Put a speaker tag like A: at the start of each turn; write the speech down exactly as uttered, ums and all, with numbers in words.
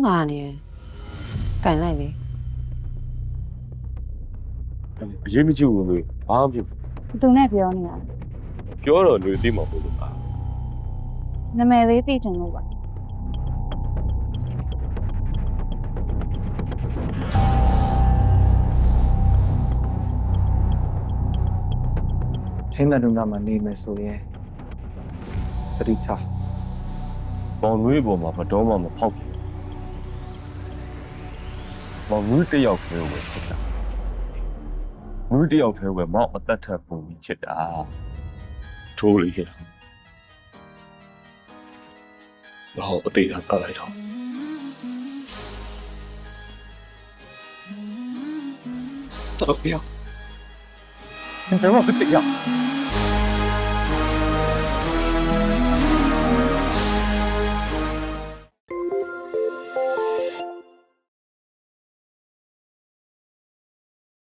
A: လာနေတယ်ကန်လိုက်လေ
B: အရေးမကြီးဘူးလို့ဘာမှမဖြစ်
C: သူနဲ့ပြောနေတာ
B: ပြောတော့လူသိမှာမဟုတ်လို့ပါ
C: နာမည်လေးသိချင်လို့ပါ
D: ဟင်းတဲ့နုနာမှာနေမယ်ဆိုရင်တတိချ
B: ဘောင်နွေးပေါ်မှာမတော်မှမဖောက်ဘူးဘောင်နွေးတစ်ယောက်တည်းကိုဖြစ်တာနွေးတစ်ယောက်တည်းကိုမောက်အသက်ထပ်ပုံပြီးချစ်တာထိုးလေးခဲ့တော့အသေးတာပတ်လိုက်တော့တော့ပြောဘယ်တော့မှမသိရ